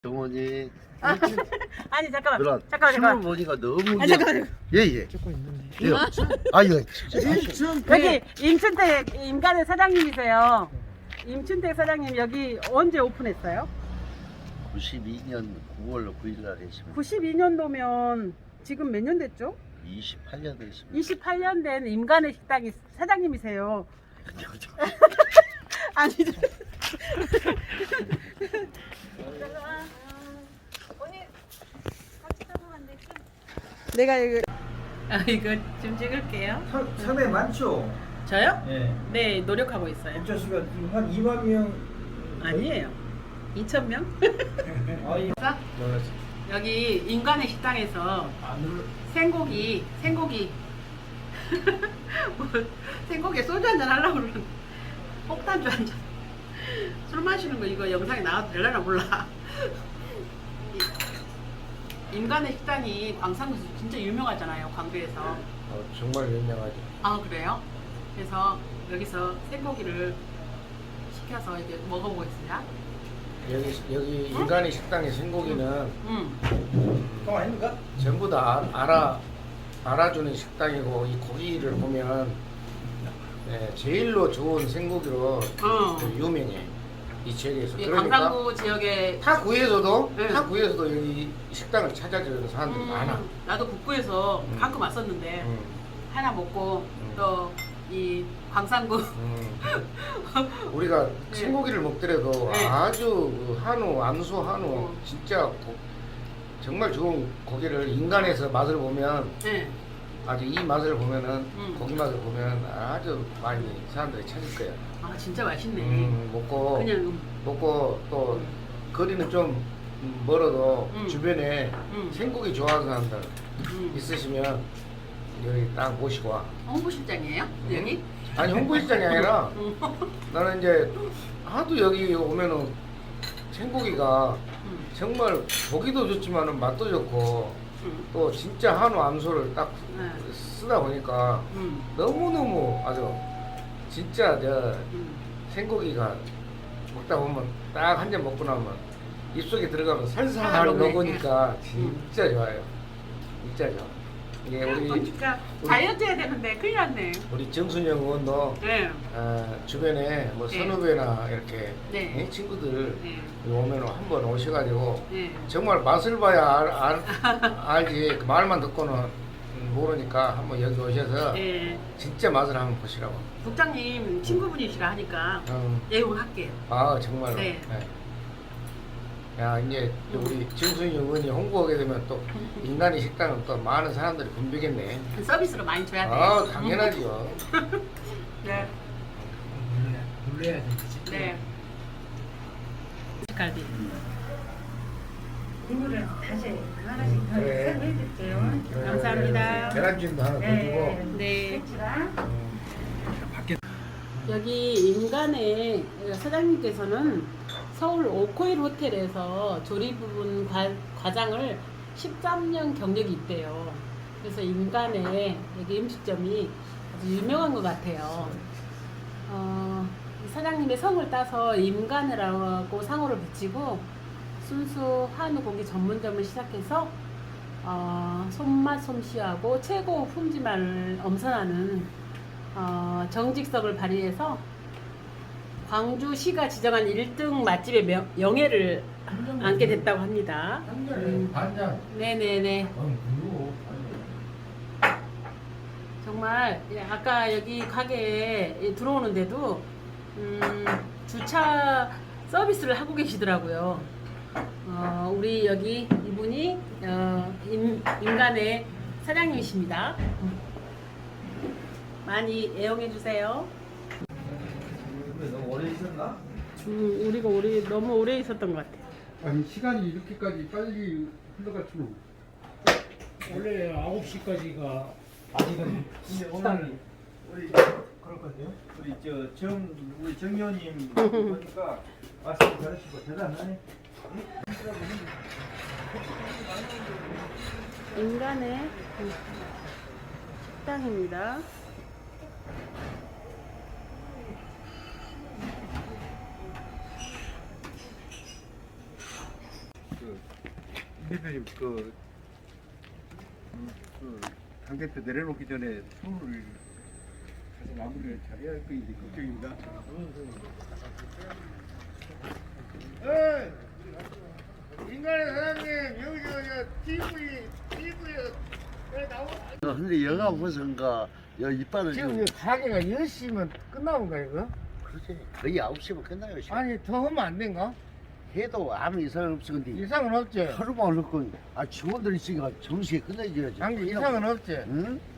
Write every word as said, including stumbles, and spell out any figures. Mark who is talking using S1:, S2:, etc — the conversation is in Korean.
S1: 정원이
S2: 아니 잠깐만
S1: 누나
S2: 잠깐만
S1: 춤을
S2: 잠깐만
S1: 보니까 너무
S2: 아 잠깐만
S1: 예예
S3: 조금 있는데.
S1: 예. 아 이거
S2: 여기 임춘택 임간의 사장님이세요. 임춘택 사장님 여기 언제 오픈했어요?
S1: 구십이 년 구월 구 일 날 했습니다.
S2: 구십이 년도면 지금 몇 년 됐죠?
S1: 이십팔 년 됐습니다.
S2: 이십팔 년 된 임간의 식당이 사장님이세요. 아니 내가 이거 아 이거 좀 찍을게요.
S3: 상당히 많죠?
S2: 저요?
S3: 예.
S2: 네 노력하고 있어요.
S3: 국자수가 한 이만 명.
S2: 아니에요. 이천 명?
S3: 아이.
S2: 여기 인간의 식당에서 생고기 생고기 뭐 생고기에 소주 한잔 하려고 그러는데 폭탄주 한잔 술 마시는 거 이거 영상에 나와도 되려나 몰라. 인간의 식당이 광산구에서 진짜 유명하잖아요, 광주에서.
S3: 어, 정말 유명하죠.
S2: 아 그래요? 그래서 여기서 생고기를 시켜서 이제 먹어보겠습니다.
S3: 여기 여기 인간의 식당의 생고기는
S2: 음.
S3: 통 아닙니까? 전부 다 아- 알아 알아주는 식당이고 이 고기를 보면 네, 제일로 좋은 생고기로
S2: 어.
S3: 유명해 이 지역에서.
S2: 이
S3: 그러니까
S2: 광산구 지역에
S3: 타 구에서도
S2: 네.
S3: 타 구에서도 여기 식당을 찾아주는 사람들이
S2: 음,
S3: 많아.
S2: 나도 북구에서
S3: 음.
S2: 가끔 왔었는데
S3: 음,
S2: 하나 먹고
S3: 음.
S2: 또 이 광산구
S3: 음. 우리가
S2: 네.
S3: 생고기를 먹더라도
S2: 네.
S3: 아주 그 한우, 암소 한우
S2: 어.
S3: 진짜 고- 정말 좋은 고기를 인간에서 맛을 보면
S2: 네.
S3: 아주 이 맛을 보면은
S2: 음.
S3: 고기 맛을 보면 아주 많이 사람들이 찾을 거야.
S2: 아 진짜 맛있네.
S3: 음, 먹고
S2: 그냥 음,
S3: 먹고 또 거리는 좀 멀어도
S2: 음.
S3: 주변에
S2: 음.
S3: 생고기 좋아하는 사람들
S2: 음.
S3: 있으시면 여기 딱 모시고 와.
S2: 홍보실장이에요?
S3: 음.
S2: 여기?
S3: 아니 홍보시장이 아니라
S2: 음.
S3: 나는 이제 하도 여기 오면은 생고기가
S2: 음.
S3: 정말 보기도 좋지만은 맛도 좋고
S2: 음.
S3: 또 진짜 한우 암소를 딱
S2: 네.
S3: 쓰다 보니까
S2: 음.
S3: 너무너무 아주 진짜 저
S2: 음.
S3: 생고기가 먹다 보면 딱 한 잔 먹고 나면 입속에 들어가면
S2: 아,
S3: 살살
S2: 먹네.
S3: 녹으니까 진짜 좋아요. 진짜 좋아. 이게 우리
S2: 그러니까
S3: 우리-
S2: 다이어트 해야 되는데 큰일 났네.
S3: 우리 정순영 의원도
S2: 네.
S3: 어, 주변에 뭐
S2: 네.
S3: 선후배나 이렇게
S2: 네.
S3: 예, 친구들
S2: 네.
S3: 오면 한번 오셔가지고
S2: 네.
S3: 정말 맛을 봐야 알, 알, 알지 그 말만 듣고는 모르니까 한번 여기 오셔서
S2: 네.
S3: 진짜 맛을 한번 보시라고.
S2: 국장님 친구분이시라 하니까
S3: 음,
S2: 애용할게요.
S3: 아 정말로.
S2: 네.
S3: 네. 야 이제 또 우리 정순영 의원이 홍보하게 되면 또 인간의 식당은 또 많은 사람들이 붐비겠네.
S2: 서비스로 많이 줘야 돼.
S3: 아 당연하죠.
S2: 네.
S3: 놀래야 되지.
S2: 네. 갈비.
S4: 이거를 다시 하나씩 더
S3: 그래.
S4: 설명해 줄게요.
S2: 감사합니다.
S3: 계란찜도 하나 더 주고.
S2: 네.
S4: 배추랑
S3: 음,
S2: 여기 인간의 사장님께서는 서울 오코일 호텔에서 조리 부분 과, 과장을 십삼 년 경력이 있대요. 그래서 인간의 여기 음식점이 아주 유명한 것 같아요. 어, 이 사장님의 성을 따서 임간이라고 상호를 붙이고 순수 한우 고기 전문점을 시작해서 어, 손맛 솜씨하고 최고 품질만을 엄선하는 어, 정직성을 발휘해서 광주시가 지정한 일 등 맛집의 명, 영예를 안게 됐다고 합니다. 음,
S3: 반장.
S2: 네네네.
S3: 어, 그리고
S2: 정말 예, 아까 여기 가게에 들어오는데도 음, 주차 서비스를 하고 계시더라고요. 어, 우리 여기 이분이 어, 임, 인간의 사장님이십니다. 많이 애용해 주세요.
S3: 너무 오래 있었나?
S2: 음, 우리가 오래 너무 오래 있었던 것 같아요.
S5: 아니 시간이 이렇게까지 빨리 흘러갈 줄은.
S6: 원래 아홉 시까지가 아직은
S7: 근데
S6: 식당이
S7: 오늘 우리
S6: 그럴 건데요.
S7: 우리 저정 우리 정 의원님 보니까 말씀 잘하시고 대단하네.
S2: 인간의 식당입니다.
S5: 그 대표님 그, 음, 그 당대표 내려놓기 전에 서울을 가서 마무리를 잘해야 할 거인지 걱정입니다.
S3: 인간의 사장님 여기 저 티비 티비에 나오.
S1: 어, 근데 여가 무슨가 여 이빨을
S3: 지금
S1: 지금
S3: 이 가게가 열 시면 끝나는 거야 이거?
S1: 그렇지 거의 아홉 시면 끝나요. 시간.
S3: 아니 더 하면 안 된가?
S1: 해도 아무 이상 없어 근데
S3: 이상은 없지.
S1: 하루만 흘렀고 아 직원들이 있으니까 정시에 끝내줘야지.
S3: 장기 이상은 없지.
S1: 응?